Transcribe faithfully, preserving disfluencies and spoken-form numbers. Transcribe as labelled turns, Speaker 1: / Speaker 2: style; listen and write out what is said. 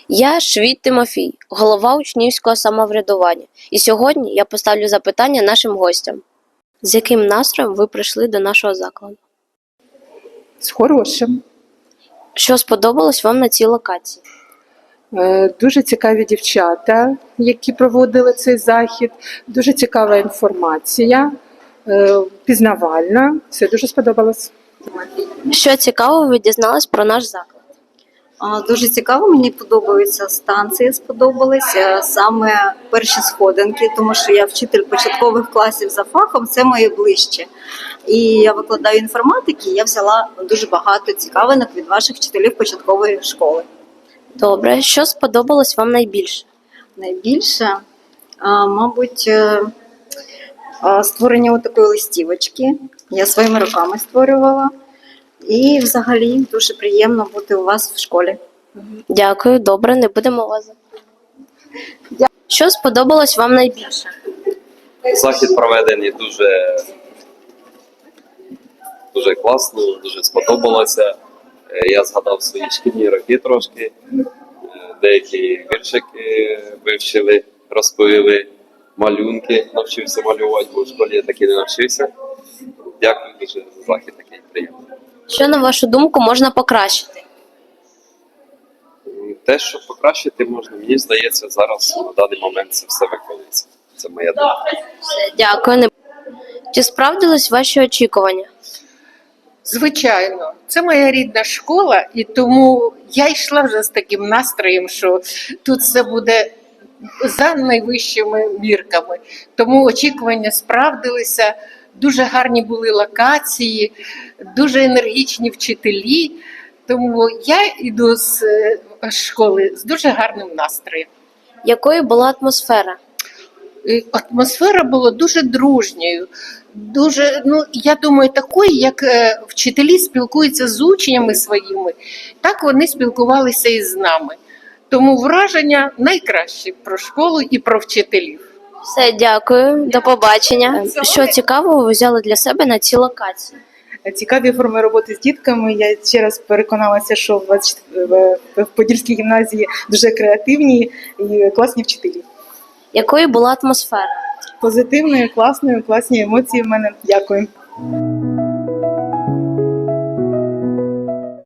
Speaker 1: Я Швід Тимофій, голова учнівського самоврядування. І сьогодні я поставлю запитання нашим гостям. З яким настроєм ви прийшли до нашого закладу?
Speaker 2: З хорошим.
Speaker 1: Що сподобалось вам на цій локації?
Speaker 2: Е, Дуже цікаві дівчата, які проводили цей захід. Дуже цікава інформація, е, пізнавальна. Все дуже сподобалось.
Speaker 1: Що цікавого ви дізнались про наш заклад?
Speaker 3: А, Дуже цікаво, мені подобаються станції, сподобалися саме перші сходинки, тому що я вчитель початкових класів за фахом, це моє ближче. І я викладаю інформатики, я взяла дуже багато цікавинок від ваших вчителів початкової школи.
Speaker 1: Добре, що сподобалось вам найбільше?
Speaker 3: Найбільше, а, мабуть, е, а, створення такої листівочки. Я своїми руками створювала. І взагалі дуже приємно бути у вас в школі.
Speaker 1: Дякую, добре, не будемо вас запитувати. Що сподобалось вам найбільше?
Speaker 4: Захід проведений дуже, дуже класно, дуже сподобалося. Е, Я згадав свої шкільні роки трошки, Е, деякі віршики вивчили, розповіли, малюнки навчився малювати, бо в школі я таки не навчився. Дякую дуже за захід, такий приємний.
Speaker 1: Що, на вашу думку, можна покращити?
Speaker 4: М, Те, що покращити можна, мені здається, зараз на даний момент це все виконується. Це моя думка.
Speaker 1: Дякую. Не... Чи справдились ваші очікування?
Speaker 5: Звичайно, це моя рідна школа, і тому я йшла вже з таким настроєм, що тут все буде за найвищими мірками. Тому очікування справдилися, дуже гарні були локації, дуже енергічні вчителі. Тому я йду з е, школи з дуже гарним настроєм.
Speaker 1: Якою була атмосфера?
Speaker 5: І атмосфера була дуже дружньою, дуже, ну я думаю, такою, як е, вчителі спілкуються з учнями своїми, так вони спілкувалися і з нами. Тому враження найкраще про школу і про вчителів.
Speaker 1: Все, дякую, до побачення. Що цікавого ви взяли для себе на цій локації?
Speaker 2: Цікаві форми роботи з дітками. Я ще раз переконалася, що в двадцять чот- в- в Подільській гімназії дуже креативні і класні вчителі.
Speaker 1: Якою була атмосфера?
Speaker 2: Позитивною, класною, класні емоції в мене. Дякую.